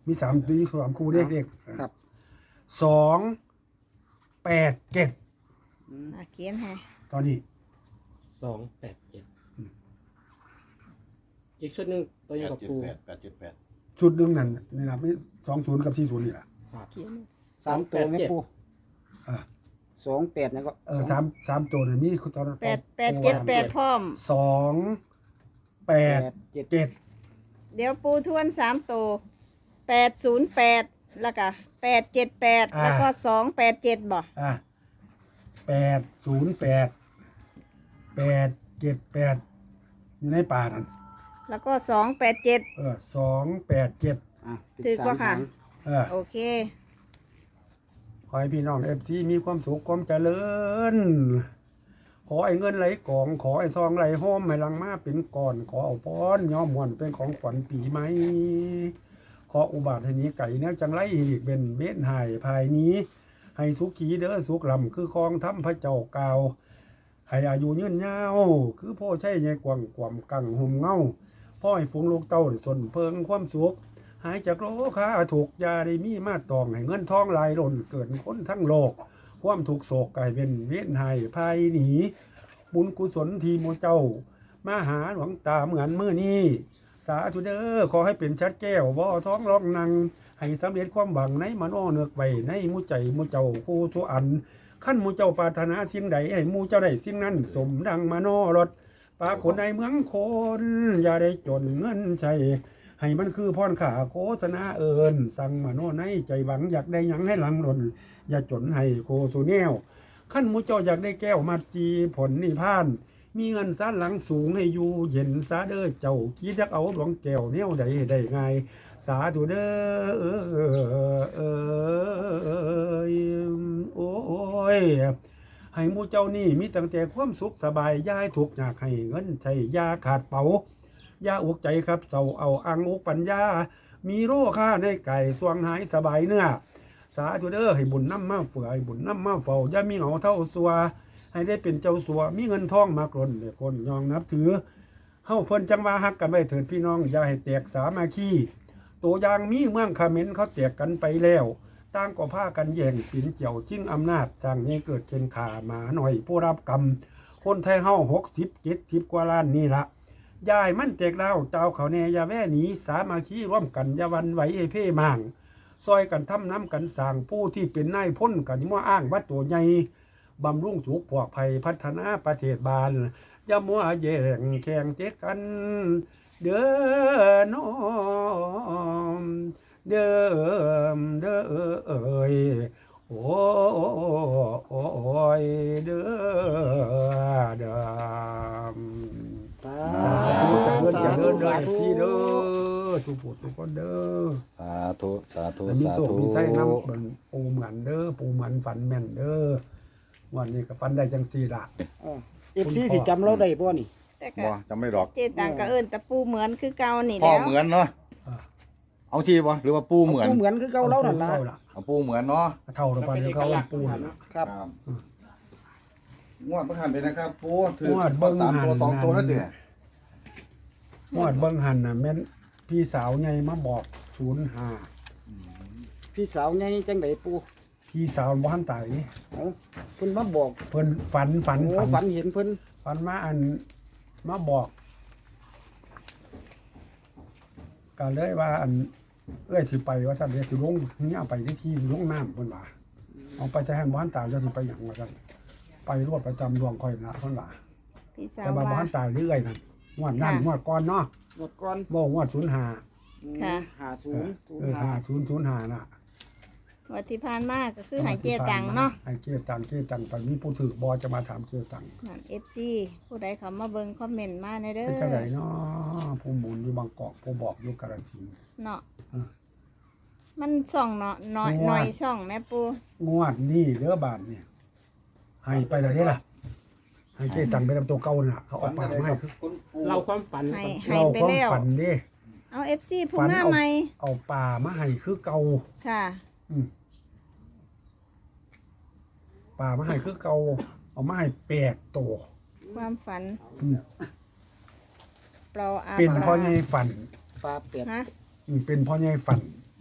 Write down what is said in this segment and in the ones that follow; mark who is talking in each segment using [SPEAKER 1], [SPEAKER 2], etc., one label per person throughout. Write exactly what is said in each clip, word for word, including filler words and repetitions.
[SPEAKER 1] มีสามมีสามคู่เลขเลข
[SPEAKER 2] ครับ
[SPEAKER 1] สองแปดเจ็ด
[SPEAKER 3] อ่ะเขียนให้
[SPEAKER 1] ตอนนี้
[SPEAKER 4] สองแปดเจ็ดอีกชุดหนึ่งตัวยังกับปู
[SPEAKER 5] แปดแปดเจ็ดแปด
[SPEAKER 1] ชุดหนึ่งนั่นนี่นะไม่สองศูนย์กับสี่ศูนย์นี่แหละ
[SPEAKER 3] เขียน
[SPEAKER 2] สามตัวแม่ปู
[SPEAKER 1] อ่า
[SPEAKER 2] สองแปดนะก็
[SPEAKER 1] เออสามสามตัวเนี่ยมีตอน
[SPEAKER 3] แปดแปดเจ็ดแปดพร้อม
[SPEAKER 1] สองแป
[SPEAKER 2] แป
[SPEAKER 1] ด
[SPEAKER 2] ดเจ็ด
[SPEAKER 1] เจ็ด
[SPEAKER 3] เดี๋ยวปูทวนสามตัวแปดศูนย์แปดแล้วก็แปดเจ็ดแปดแล้วก็สองแปดเจ็ดบ่
[SPEAKER 1] อ่าแปดศูนย์แปดแปดเจ็ดแปดอยู่ในป่านั่น
[SPEAKER 3] แล้วก็สองแปดเจ็ด
[SPEAKER 1] เออสองแปดเจ็ด
[SPEAKER 2] อ่ะเป็น
[SPEAKER 3] ถือ
[SPEAKER 2] สาม
[SPEAKER 3] ว่าค่ะ
[SPEAKER 2] หาง
[SPEAKER 1] เออ
[SPEAKER 3] โอเค
[SPEAKER 1] ขอให้พี่น้องเอฟซีมีความสุขความเจริญ ขอไอ้เงินไหลกอง ขอไอ้ทองไหลห้อมให้ลังมาเป็นก่อน ขอเอาป้อนย้อมมวนเป็นของขวัญปีใหม่ขออุบาทให้นี้ไก่เนี้ยจังไรอีกเป็นเบ็ดหายภายนี้ ให้สุขีเด้อสุขลำคือคองทำพระเจ้ากาวให้อายุยืนยาวคือพ่อใช่ใหญ่กว่างกว่ำกังห่มเงาพ่อให้ฝูงลูกเต้าได้สนเพิงความสุข หายจากโรคค้าถูกยาได้มีมาตองให้เงินทองไหลหล่นเกิดคนทั้งโลก ความถูกโศกกลายเป็นเวียนหายภายหนีบุญกุศลทีโมเจ้า มาหาหลวงตาเหมือนเมื่อนี้สาธุเด้อขอให้เป็นชัดแก้วบ่อท้องร้องนัง ให้สำเร็จความหวังในมโนเนือกไว้ในหมูใจหมูเจ้าคู่สุอันขั้นหมูเจ้าปรารถนาสิ่งใดให้หมูเจ้าได้สิ่งนั้นสมดังมโนรถปาคนในเมืองคนอย่าได้จนเงินใช้ให้มันคือพรขาโฆษณาเอิญสั่งมโนในใจหวังอยากได้หยังให้หลังหล่นอย่าจนให้โคสุแนวขั้นหมูเจ้าอยากได้แก้วมาจีผลนิพพาน มีเงินซาหลังสูงให้อยู่เย็นซาเด้อเจ้าคิดจักเอาหลวงแก้วแนวใดได้ง่ายสาธุเด้อเออโอ้ยให้หมู่เจ้านี่มีตั้งแต่ความสุขสบายย่ายถูกอยากให้เงินใช้ยาขาดเป๋ายาอุกใจครับเจ้าเอาอังอุกปัญญามีโรค่าในไก่สวงหายสบายเนื้อสาธุเด้อให้บุญน้ำมาเฟื่อให้บุญน้ำมาเฝ้าอย่ามีเหงาเท่าสัวให้ได้เป็นเจ้าสัวมีเงินทองมากล้นเลยคนยองนับถือเฮาเพิ่นจังว่าฮักกันไว้เถิดพี่น้องอย่าให้แตกสามัคคีตัวอย่างมีเมืองคาเขมรเขาแตกกันไปแล้วต่างก็พากันแย่งปิ่นเจียวชิงอำนาจสร้างให้เกิดเช่นขาหมาหน่อยผู้รับกรรมคนไทยเฮาหกสิบเจ็ดสิบกว่าล้านนี่ละยายมันแตกเล่าเจ้าเขาแน่อย่าแว่หนีสามัคคีร่วมกันอย่าวันไหวไอ้เพ่มางซอยกันทำน้ำกันสร้างผู้ที่เป็นนายพ้นกันมั่วอ้างว่าตัวใหญ่บำรุงสุขพวกภัยพัฒนาประเทศบาลอย่ามัวแย่งแข่งเจ๊กันเด้อน้อมเด้อเด้อเอ้ยโอ้ยเด้อเด้อสาธุจะเดินจะเดินเดินที่เด้อสุขทุกคนเด้อ
[SPEAKER 5] สาธุสาธุ
[SPEAKER 1] มี
[SPEAKER 5] สา
[SPEAKER 1] โศก
[SPEAKER 5] ธุ
[SPEAKER 1] มีไส้น้ำเป็นปูเหมือนเด้อปูเหมือนฝันแม่นเด้อวันนี้ก็ฝันได้จังสี่ละ
[SPEAKER 2] เอฟซีสิจำเราได้บ่นี่
[SPEAKER 3] แต่ก็
[SPEAKER 5] บ่จำไม่หรอก
[SPEAKER 3] เจตังก็เอิ้นตะปูเหมือนคือเก่านี่
[SPEAKER 5] พ่อ
[SPEAKER 3] แล้ว
[SPEAKER 5] เหมือนเนาะเอาชีบ่หรือว่าปูเหมือน
[SPEAKER 2] ปูเหมือนคือเก่าเรานั่นล่ะ
[SPEAKER 5] เอาปูเหมือนเนาะ
[SPEAKER 1] เท่าเราไปแล้วเขาปูนั่นล่ะ
[SPEAKER 2] ครับ
[SPEAKER 5] งวดประคันไปนะครับ ปูถือง
[SPEAKER 1] วดเบิ่ง
[SPEAKER 5] สามตัว
[SPEAKER 1] หัน
[SPEAKER 5] สองตัวแล้วเด้อ
[SPEAKER 1] มวดเบิ้งหันน่ะแม่นพี่สาวไงมาบอกศูนย์ห้า
[SPEAKER 2] พี่สาวใหญ่จังไดปู
[SPEAKER 1] พี่สาวบ้านตายนี่
[SPEAKER 2] เอ้าเพิ่นมาบอก
[SPEAKER 1] เพิ่นฝันฝัน
[SPEAKER 2] โอ้
[SPEAKER 1] ฝัน
[SPEAKER 2] ฝันเห็นเพิ่น
[SPEAKER 1] ฝันมาอันมาบอกก็เลยว่าอันเอ้ยสิไปว่าท่านเดี๋ยวสิลงนี่เอาไปที่ที่ลงน้ำเพิ่นว่าเอาไปจะให้บ้านตายจะสิไปหยังว่าท่านไปรวดประจำดวงค่อยนะเพิ่นว่า
[SPEAKER 3] พี่สาว
[SPEAKER 1] แต่ว่าบ้า
[SPEAKER 3] ว่าน
[SPEAKER 1] ตายเรื่อยนั่นงวดนั่นงวดก่อนเนาะ
[SPEAKER 2] หมดก่อน
[SPEAKER 1] บ่งวดศูนย์ห้า
[SPEAKER 3] ค่ะ
[SPEAKER 2] ห้าศูนย์ศูน
[SPEAKER 1] เอ
[SPEAKER 2] ย์
[SPEAKER 1] อ
[SPEAKER 2] ห้า
[SPEAKER 1] ห้าศูนย์ศูนย์ห้าน่ะ
[SPEAKER 3] วันที่ผ่านมาก็คือใหายเจตังเนาะ
[SPEAKER 1] ให้เจตังเจตังไปมีผู้ถือบอจะมาถามเจตัง
[SPEAKER 3] นั่น เอฟ ซี ผู้ใดเขามาเบิ่งคอมเมนต์มาในเด้อ
[SPEAKER 1] เป็นจังไดเนาะผู้หมุนอยู่บางกอกผู้บอกอยู่กาฬสินธุ์
[SPEAKER 3] เนาะ
[SPEAKER 1] อ่า
[SPEAKER 3] มันช่องเนาะน้อย
[SPEAKER 1] งัว
[SPEAKER 3] น้อยช่องแม่ปู
[SPEAKER 1] งวดนี้เด้อบาทเนี่ยให้ไปแล้วเด้ล่ะให้เจตังไปทำตัวเก่าน่ะเขาเออกปากมาให้คือ
[SPEAKER 4] เราความฝัน
[SPEAKER 3] ให้
[SPEAKER 4] ก่อน
[SPEAKER 3] ให้
[SPEAKER 1] เรา
[SPEAKER 3] ไป
[SPEAKER 1] ความ
[SPEAKER 3] แล้ว
[SPEAKER 1] ฝันเด้
[SPEAKER 3] เอา เอฟ ซี ผู้
[SPEAKER 1] ฝัน
[SPEAKER 3] มา
[SPEAKER 1] เอา
[SPEAKER 3] ใหม่
[SPEAKER 1] เอาป่ามาให้คือเก่า
[SPEAKER 3] ค่ะ
[SPEAKER 1] อืมป่ามาให้คือเก่าเอามาให้แปดตัว
[SPEAKER 3] ความฝัน
[SPEAKER 1] อืม
[SPEAKER 3] เปล่าอา
[SPEAKER 1] เป็น
[SPEAKER 3] ปลา
[SPEAKER 1] พ่อใหญ่ฝัน
[SPEAKER 2] ปลาเป็ด
[SPEAKER 3] ฮะ
[SPEAKER 1] อืมเป็นพ่อใหญ่ฝัน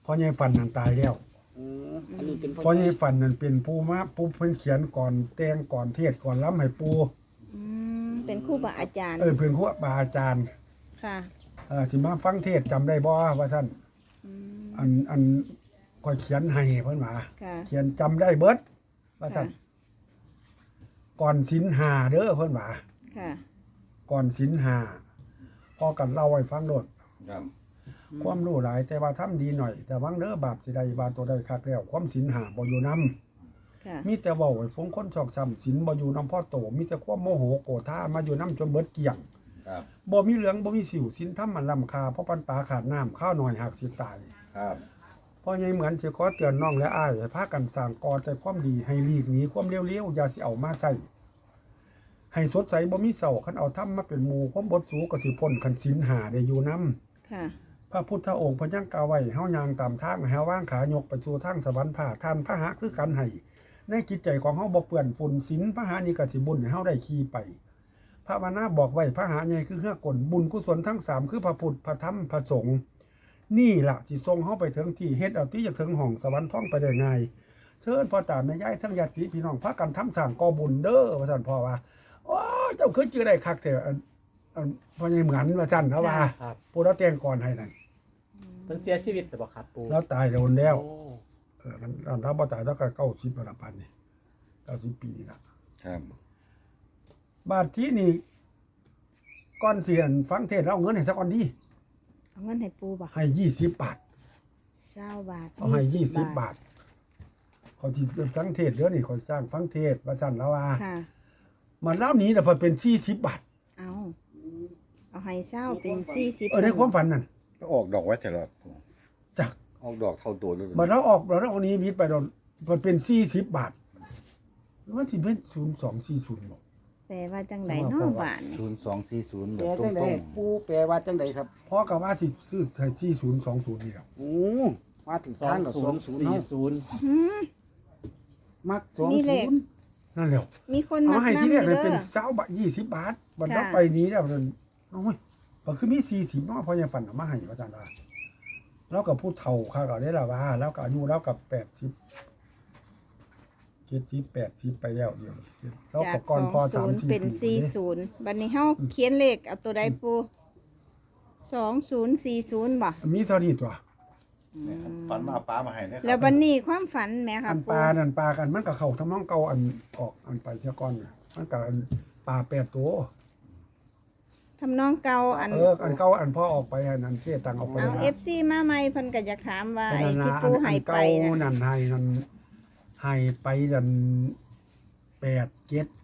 [SPEAKER 1] พ่อใหญ่ฝันนั่นตายแล้ว
[SPEAKER 2] อืมอันนี้เป็น
[SPEAKER 1] พ่อใหญ่ฝันนั่นเป็นผู้มาผู้เพิ่นเขียนก่อนแต่งก่อนเทศก่อนล้ำให้ปู
[SPEAKER 3] อืมเป็นครูบาอาจารย์
[SPEAKER 1] เออเพิ่นครูบาอาจารย์
[SPEAKER 3] ค่ะ
[SPEAKER 1] เออสิมาฟังเทศจำได้บ่ว่าซั่น
[SPEAKER 3] อืม
[SPEAKER 1] อันอันก็เขียนให้เพิ่นว่า
[SPEAKER 3] ค่ะ
[SPEAKER 1] เขียนจำได้เบิดว่าซั่น
[SPEAKER 3] ค่ะ
[SPEAKER 1] ก่อนศีลห้าเด้อเพิ่นว่า
[SPEAKER 3] ค่ะ
[SPEAKER 1] ก่อนศีลห้าพอกันเล่าให้ฟังโดด
[SPEAKER 5] ครับ
[SPEAKER 1] ความรู้หลายแต่ว่าทำดีหน่อย แต่วังเด้อบาปสิได้บาปตัวใดคักแล้วความศีลห้าบ่อยู่นำ
[SPEAKER 3] ค่ะ
[SPEAKER 1] มีแต่เว้าให้ฟงคนชอกช้ำศีลบ่อยู่นำพ่อโตมีแต่ความโมโหโกรธามาอยู่นำจนเบิดเกลี้ยง
[SPEAKER 5] ครับ
[SPEAKER 1] บ่มีเหลืองบ่มีสิวศีลธรรมมันล้ำค่าเพราะปันปลาขาดน้ำข้าวหน่อยหักสิตาย
[SPEAKER 5] ครับ
[SPEAKER 1] เพราะยังเหมือนสิขอเตือนน้องและอ้ายให้พากันสร้างก่อแต่ความดีให้หลีกหนีความเลวๆอย่าสิเอามาใส่ให้สดใสบ่มีเศร้าคันเอาธรรมมาเป็นหมู่ความบดสูก็สิพ้นคันศีลห้าได้อยู่นำ
[SPEAKER 3] ค่ะ
[SPEAKER 1] พระพุทธองค์เพิ่นยังกล่าวไว้เฮาย่างตามทางให้เฮาว่างขายกไปสู่ทางสวรรค์ผ่าท่านพระหะคือกันให้ในจิตใจของเฮาบ่เปื้อนฝุ่นศีลพระหะนี่ก็สิบุญให้เฮาได้ขี่ไป พระวนาบอกไว้พระหะใหญ่คือเฮือกลบุญกุศลทั้งสามคือพระพุทธพระธรรมพระสงฆ์นี่ล่ะสิส่งเฮาไปถึงที่เฮ็ดเอาที่จะถึงห้องสวรรค์ท่องไปได้ง่ายเชิญพ่อตาแม่ยายทั้งญาติพี่น้องพากันทำสร้างก่อบุญเด้อว่าซั่นพ่อว่าโอ้เจ้าคือจื่อได้คักแต่อันอันพ่อใหญ่เหมือนว่าซั่นเขาว่า
[SPEAKER 4] ครับ
[SPEAKER 1] ผู้เราแต่งก่อนให้นั่น
[SPEAKER 4] เพิ่นเสียชีวิตแต่บ่ครับปู
[SPEAKER 1] แล้วตายโดนแล้ว
[SPEAKER 4] โอ้
[SPEAKER 1] เออมันอันถ้าบ่ตายแล้วก็เก้าสิบประพันธ์นี่เก้าสิบปีนี่ละ
[SPEAKER 5] ครับ
[SPEAKER 1] บาทที่นี่ก้อนเสียนฟังเทศน์แล้วเอาเงินให้สักก้อนดี
[SPEAKER 3] เอาเงินให้ปูบ่
[SPEAKER 1] ให้ยี่สิบบาท
[SPEAKER 3] เศร้าบาท
[SPEAKER 1] เอาให้ยี่สิบบาทเขาที่ฟังเทศน์เดี๋ยวนี้เขาสร้างฟังเทศน์ว่าสั่นแล้วว่า
[SPEAKER 3] ค่ะ
[SPEAKER 1] มันเล่านี้แต่พอเป็นสี่สิบบาท
[SPEAKER 3] เอาเอาให้เศร้าเป็นสี่สิบ
[SPEAKER 1] เออในความฝันนั่น
[SPEAKER 5] ก็ออกดอกไว้แต่ละ
[SPEAKER 1] จัก
[SPEAKER 5] ออกดอกเท่าตัวเลย
[SPEAKER 1] มันเราออกเราเอานี้มิดไปเรามันเป็นสี่สิบบาทมันสิเป็นศูนย์สองสี่ศูนย์บอก
[SPEAKER 3] แปลว่าจังไดเนาะบาทนี่
[SPEAKER 5] ศูนย์สองสี่ศูนย์แบ
[SPEAKER 2] แปล
[SPEAKER 5] บตร
[SPEAKER 2] จังได๋
[SPEAKER 5] ง
[SPEAKER 2] ปูแปลว่าจังไดครับ
[SPEAKER 1] เพราะกับว่าสิซื้อใช้สี่ศูนย์สองศูนย์นี่แหละ
[SPEAKER 2] โอ้มาถึง
[SPEAKER 4] สอ
[SPEAKER 2] ทาง งกับ
[SPEAKER 4] ศู
[SPEAKER 2] สอน ง
[SPEAKER 4] ย์
[SPEAKER 2] ศูนย์
[SPEAKER 4] สี่
[SPEAKER 2] เนาะ
[SPEAKER 4] ศูนย์
[SPEAKER 3] หืม
[SPEAKER 2] มักสอง
[SPEAKER 3] นี่เล
[SPEAKER 2] ศู
[SPEAKER 3] ข
[SPEAKER 2] นย์
[SPEAKER 1] นั่นแหละ
[SPEAKER 3] มีคน
[SPEAKER 1] เอา
[SPEAKER 3] มา
[SPEAKER 1] มาให้
[SPEAKER 3] นำ
[SPEAKER 1] ที่
[SPEAKER 3] อ
[SPEAKER 1] แรก
[SPEAKER 3] ยู่
[SPEAKER 1] เลย
[SPEAKER 3] เด้
[SPEAKER 1] เป็น
[SPEAKER 3] อ
[SPEAKER 1] เจ้าบะยี่สิบบาทบัด
[SPEAKER 3] ค่ะ
[SPEAKER 1] เราไปนี้แล้วนั่นโอ้ยก็คือมีสี่สิบเนาะเพราะยังฝันเอามาให้อาจารย์ว่าแล้วกับผู้เฒ่าค่ะก็ได้ละว่า แล้วก็อายุแล้วกับแปดสิบเจ็ดสิบแปดสิบไปแล้วเดียวแล้ว
[SPEAKER 3] จา
[SPEAKER 1] ก็
[SPEAKER 3] ก
[SPEAKER 1] ก่อน
[SPEAKER 3] สอง
[SPEAKER 1] พอ
[SPEAKER 3] ศู
[SPEAKER 1] สาม
[SPEAKER 3] นย์
[SPEAKER 1] สี่
[SPEAKER 3] เป็นสี่ศูนย์บัดนี้เฮาเขียนเลขเอาตัวใดปูสองศูนย์สี่ศูนย์บ่
[SPEAKER 1] มีเท่านี้ตัว
[SPEAKER 5] ฝันมาป้ามาให้นะค
[SPEAKER 3] แล้
[SPEAKER 5] รั
[SPEAKER 3] วบัดนี้ความฝันแหมค่ะ
[SPEAKER 1] อัน
[SPEAKER 3] ปู
[SPEAKER 1] ปลานั่นปลากันมันก็เข้าทำน้องเก่าอันออกอันไปเท่าก่อนน่ะมันก็อันปลาแปดตัว
[SPEAKER 3] ทำนองเก่าอัน
[SPEAKER 1] เอออันเก่าอันพ่อออกไปอันนั้นเชี่ยตังออกไป
[SPEAKER 3] เอา
[SPEAKER 1] นะ
[SPEAKER 3] เอฟซีมาใหม่เพิ่นก็อยากถามว่า
[SPEAKER 1] อั
[SPEAKER 3] ไอ้
[SPEAKER 1] นนั้น
[SPEAKER 3] ที่
[SPEAKER 1] นะ
[SPEAKER 3] ปู
[SPEAKER 1] อัน
[SPEAKER 3] ให้
[SPEAKER 1] อัน
[SPEAKER 3] ไป
[SPEAKER 1] เก่า
[SPEAKER 3] นะ
[SPEAKER 1] นั่นให้นั่นให้ไปนั่นแปดเจ็ด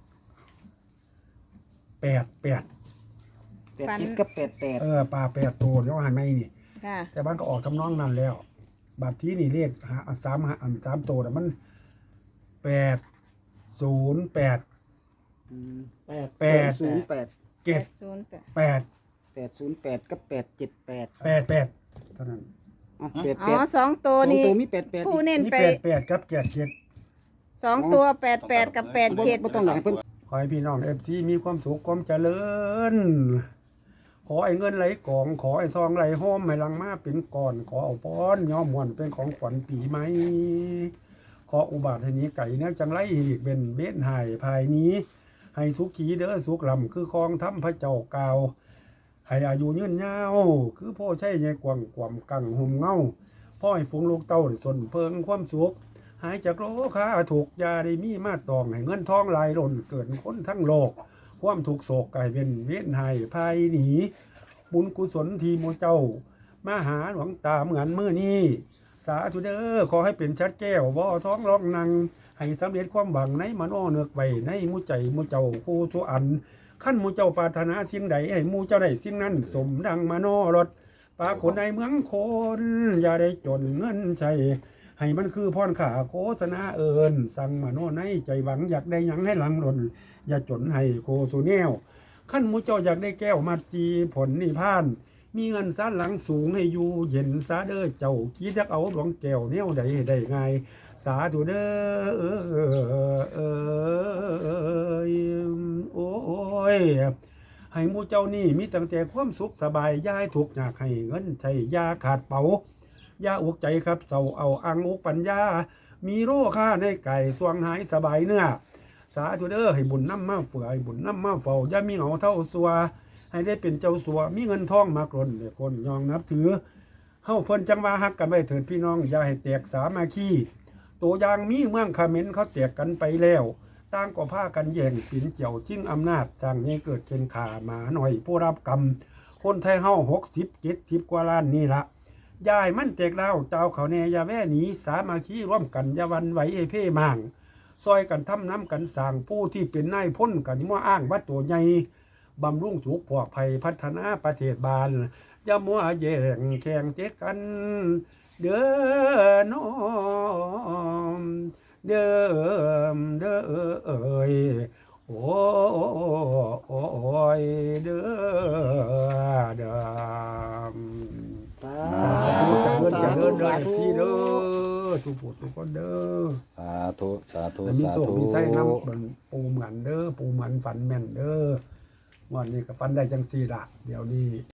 [SPEAKER 1] แปดแปด
[SPEAKER 2] แปดสิบกับแปดแปด
[SPEAKER 1] เออปลาแปดตัวเดี๋ยวให้ไม่นี่
[SPEAKER 3] ค่ะ
[SPEAKER 1] แต่บ้านก็ออกทำนองนั้นแล้วบัดที่นี่เรียกหาสามหาอันสามตัวแต่ะมันแปดศูนย์แปด
[SPEAKER 2] อืม
[SPEAKER 4] แปด
[SPEAKER 1] แปด
[SPEAKER 2] ศูนย์แปด
[SPEAKER 1] เจ็ด
[SPEAKER 3] ศูนย์แปด
[SPEAKER 1] แปด
[SPEAKER 2] แปดศูนย์แปดกับแปดเจ็ดแปด
[SPEAKER 1] แปดแปดเท่านั้น
[SPEAKER 2] อ๋อแปด
[SPEAKER 3] อ๋
[SPEAKER 2] แป
[SPEAKER 3] อ
[SPEAKER 2] ด
[SPEAKER 3] สองตัว
[SPEAKER 2] สอง
[SPEAKER 3] นี่
[SPEAKER 2] ตัวมีแปดแปด
[SPEAKER 3] ผู้เน้น
[SPEAKER 1] นี่
[SPEAKER 3] ไป
[SPEAKER 1] แปดแปดกับเจ็ดเจ็ด
[SPEAKER 3] สองตัวแปดแปดกับแปดเจ็ด
[SPEAKER 2] บ่ต้องหลายเพิ่น
[SPEAKER 1] ขอให้พี่น้องเอฟซีมีความสุขความเจริญ ขอไอ้เงินไหลกอง ขอไอ้ทองไหลห้อมไม่ลังมาเป็นก่อน ขอเอาป้อนย้อมหวนเป็นของขวัญปีใหม่ ขออุบาทให้นี้ไก่เนี่ยจังไรอีกเป็นเบ็ดหายภายนี้ ให้สุขีเด้อสุขลำคือคองทำพระเจ้ากาวให้อายุยืนยาวคือพ่อใช่ใหญ่กว่างกว่ำกังหุ่มเงาพ่อให้ฝูงลูกเต้าได้สนเพิงความสุข หายจากโรคาถูกยาได้มีมาตองให้เงินทองไหลหล่นเกิดคนทั้งโลก ความถูกโศกกลายเป็นเวียนหายภายหนีบุญกุศลทีโมเจ้า มาหาหลวงตาเหมือนมือนี้สาธุเด้อขอให้เป็นชัดแก้วบ่อท้องร้องนัง ให้สำเร็จความหวังในมโนเนือกไว้ในหมูใจหมูเจ้าคู่ทุอันขั้นหมูเจ้าปรารถนาสิ่งใดให้หมูเจ้าได้สิ่งนั้น สมดังมโนรถปรากฏในเมืองคนอย่าได้จนเงินใช้ให้มันคือพรขาโฆษณาเอิญสั่งมโนในใจหวังอยากได้หยังให้หลังหล่นอย่าจนให้โคสุแนวขั้นหมูเจ้าอยากได้แก้วมาจีผลนิพพาน มีเงินซาหลังสูงให้อยู่เย็นซาเด้อเจ้าคิดจะเอาหลวงแก้วแนวใดได้ไงสาธุเด้อเออเออโอ้ยให้หมู่เจ้านี่มีตั้งแต่ความสุขสบายย้ายทุกข์อยากให้เงินใช้ยาขาดเป๋าอย่าอกใจครับเศร้าเอาอังอกปัญญา มีโรค่าในไก่สวงหายสบายเนื้อสาธุเด้อให้บุญน้ำมาเฟื่อให้บุญน้ำมาเฝ้าอย่ามีเหงาเท่าสัวให้ได้เป็นเจ้าสัวมีเงินทองมากล้นให้คนยองนับถือเฮาเพิ่นจังว่าฮักกันไว้เถิดพี่น้องอย่าให้แตกสามัคคีตัวอย่างมีเมืองเขมรเขาแตกกันไปแล้วต่างก็พากันแย่งปิ่นเจียวชิงอำนาจสร้างให้เกิดเข็นขาหมาหน่อยผู้รับกรรมคนไทยเฮาหกสิบเจ็ดสิบกว่าล้านนี่ละยายมันแตกเล่าเจ้าเขาแน่อย่าแว่หนีสามัคคีร่วมกันอย่าวันไหวเอเพ่มางซอยกันทำน้ำกันสร้างผู้ที่เป็นนายพ้นกันมั่วอ้างว่าตัวใหญ่บำรุงสุขปลอดภัยพัฒนาประเทศบาลอย่ามัวแย่งแข่งเจ๊กันเด้อน้อมเด้อเด้อเอ้ยโอ้ยเด้อเด้อ
[SPEAKER 2] สา
[SPEAKER 1] สาธุเจริญเจริญเด้อ
[SPEAKER 2] สาธุ
[SPEAKER 1] ที่เด้อทุกผู้ทุกคนเด้อ
[SPEAKER 5] สาธุสาธุ
[SPEAKER 1] แล้วมี
[SPEAKER 5] สา
[SPEAKER 1] โศก
[SPEAKER 5] ธุ
[SPEAKER 1] มีไส้น้ำมันปูเหมือนเด้อปูเหมือนฝันแม่นเด้อวันนี้ก็ฝันได้จังสี่ละเดี๋ยวนี้